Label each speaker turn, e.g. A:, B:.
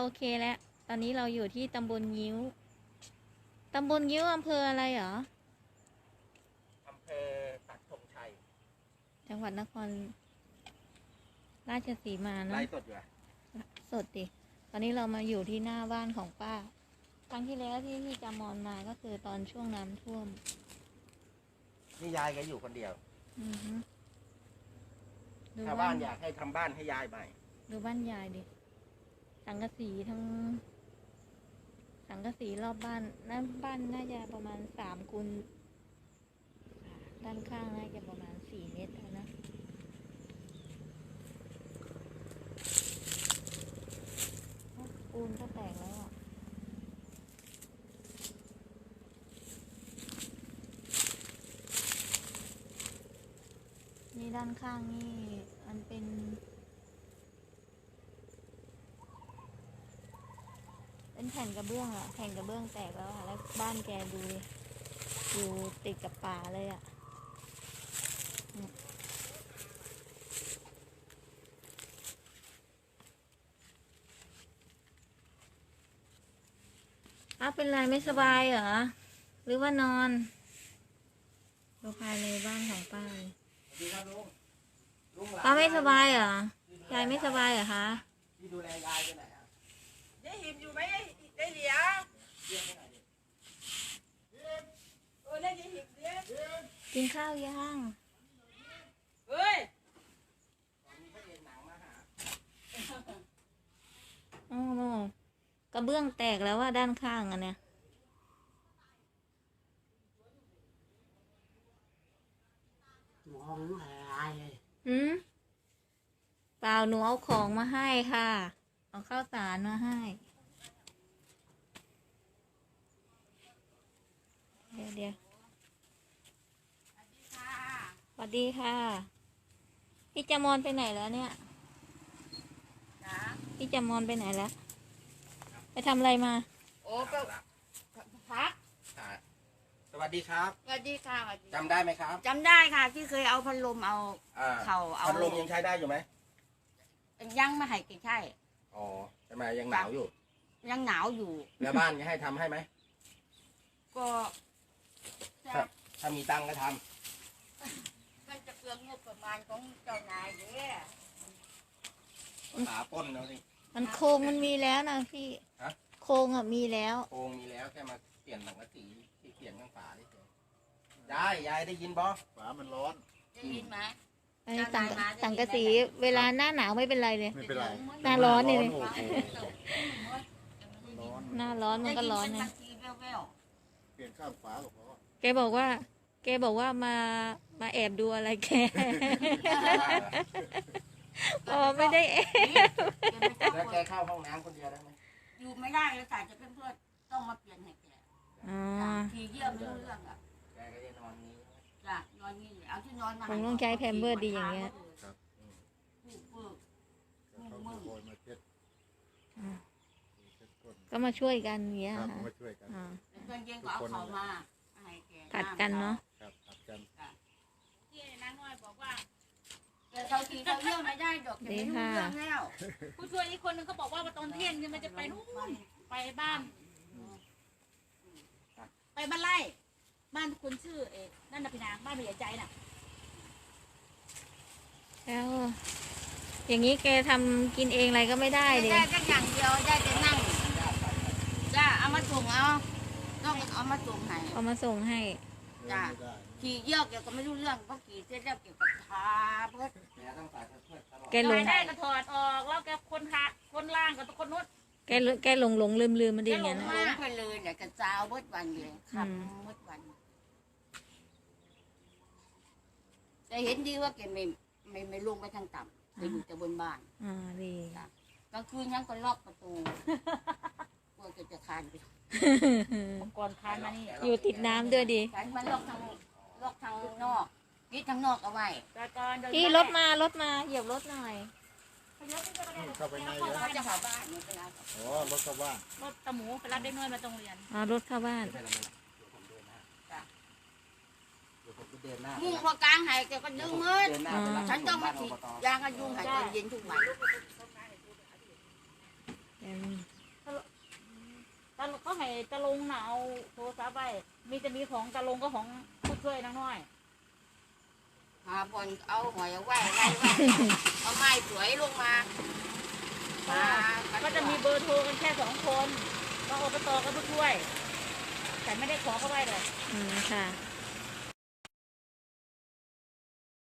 A: เคแล้วตอนนี้เราอยู่ที่ตำบลงิ้วอำเภออะไรเหรอ
B: อำเภอปักธงชัย
A: จังหวัดนครราชสีมาเนาะ
B: ไล่สดอยู่อะ
A: สดดิตอนนี้เรามาอยู่ที่หน้าบ้านของป้าครั้งที่แล้วที่พี่จามอนมาก็คือตอนช่วงน้ำท่วม
B: นี่ยายก็อยู่คนเดียว
A: ดู
B: ชาวบ้านอยากให้ทำบ้านให้ยายใหม่
A: ดูบ้านยายดิสังกะสีทั้งสังกะสีรอบบ้านนั่นบ้านน่าจะประมาณ3 คูณด้านข้างน่าจะประมาณ4 เมตรนะปูนก็แตกแล้วอ่ะนี่ด้านข้างนี่มันเป็นแผ่นกระเบื้องอะแผ่นกระเบื้องแตกแล้วอะแล้วบ้านแกดูดิอยู่ติดกับป่าเลยอะเป็นไรไม่สบายเหรอหรือว่านอนดูภายในบ้านของป้าป้าไม่สบายเหรอยายไม่สบายเหรอคะ
B: ที่ดูแลยายไปไหนอะ
C: ยายหิมอยู่ไหมได้เหลียได้ยายหิมเลี้ย
A: กินข้าวยัง
C: เฮ้ย
A: โอ้โหกระเบื้องแตกแล้วว่าด้านข้างอันเนี้ย
D: มองอะไร
A: เปล่าหนูเอาของมาให้ค่ะเอาข้าวสารมาให้เดี๋ยวสวัสดีค่ะพี่จามอนไปไหนแล้วเนี่ยพี่จามอนไปไหนแล้วไปทำอะไรมา
C: โอ้ก็พัก
B: สวัสดีครับ
C: สวัสดีค่ะ
B: จำได้ไหมครับ
C: จำได้ค่ะที่เคยเอาพัดลมเอาเข่าเอา
B: พัดลมยังใช้ได้อยู่ไหม
C: ยังไม่ให้กินใช่
B: อ๋อทำไมยังหนาวอยู่
C: ยังหนาวอยู่
B: แล้วบ้านจะให้ทำให้ไหม
C: ก็
B: ถ้ามีตังก็ท
C: ำมันจะเปลืองงบประมาณของเจ้านายเนี่ย
B: หาป้นแล้วสิ
A: มันโครงมันมีแล้วนะพี่โครงอ่ะมีแล้ว
B: โครงมีแล้วแค่มาเปลี่ยนสังกะสีที่เปลี่ยนข้างฝาได้เฉยยายได้ยินบอฝามันร้อน
C: ได้ยินไหม
A: สังกะสีเวลาหน้าหนาวไม่เป็นไรเลย
D: ไม่เป็นไร
A: หน้าร้อนนี่เลยหน้าร้อนมันก็ร้อนนะ
D: เปลี่ยนข้างฝาก็พอ
A: แกบอกว่ามาแอบดูอะไรแกอ๋อไม่ได้แอบ
B: แล้วแกเข้าห้องน้ำคนเดียวได้ไหม
C: อยู่ไม่ได้เลยแต่จะเป็นเพื่อนต้องมาเปลี่ยนให้แกทีเยี่ยมไม่รู้เรื่องอ่ะ
B: แกก็จะนอนนี้
C: จ้ะนอนนี่เอาที่นอนมา
A: ผมต้องใช้แพมเพิร์สดีอย่างเงี้ยก็มาช่วยกันอย่างเงี้ยค่ะ
D: มาช่วยกัน
C: เพื่อนเย็นก็เอาเขามาให้แก
A: ผัดกันเนาะ
D: ผัดกัน
C: ที่น้าน้อยบอกว่าเขาทีเขาเรื่องไม่ได้ดอกจะไม่รู้เรื่องแล้ว
E: ผู้ช่วยอีกคนนึงเขาบอกว่าตอนเที่ยงมันจะไปนู่นไปบ้านไปบ้านไร่บ้านคนชื่อนั่นน่ะพี่นางบ้านพี่ใหญ่ใจน่ะ
A: แล้วอย่างนี้แกทำกินเองอะไรก็ไม่ได้ดิ
C: ได้แค่อย่างเดียวได้แต่นั่งจ้าเอามาส่งต้องเอามาส่งให้จ้าขี่เยี่ยวเกี่ยวกับไม่รู้เรื่องเพราะขี่เสร็จแล้วเกี่ยวกับทาเพื่อ
A: แกลง
E: ได้ก็ถอดออกแล้วแกคนล่างกับคนนู้น
A: แกหลงลืมมันดีอย่างนี้นะ
C: ไปเลยเนี่ยกระจาวเบิดวันเลยขับเบิดวันแต่เห็นดีว่าแกไม่ลงไปทางต่ำไปอยู่แต่บนบ้าน
A: ดี
C: กลางคืนยังก็ล็อกประตูกลัวจะคานไป
E: ก่อนคานมานี่
A: อยู่ติดน้ำด้วยดี
C: มันล็อกทางนอกนี่ทางนอกเอาไว้
A: พี่รถมาเหยียบรถหน่อย
D: เข้าไปใน
C: เขาจะเข้าบ้านนี่เป็นไร
D: อ๋อรถเข้าบ้าน
E: รถตะหมูไปรับได้น้อยมาตรงเรียน
A: รถเข้าบ้าน
C: มุ่งพอกลางหายแกก็ดึงมืดฉันต้องมาฉีดยางกันยุงหายตอนเย็นทุกวัน
E: ตะลงน่ะเอาโทรศัพท์ไปจะมีของตะลงก็ของผู้ช่วยนางน้อย
C: หาบนเอาหอยเอาไว้อะไรไว้เอาไม้สวยลงมา
E: ก็จะมีเบอร์โทรกันแค่2 คนก็อบตกับผู้ช่วยแต่ไม่ได้ขอเข้าไปเลย
A: ค่ะ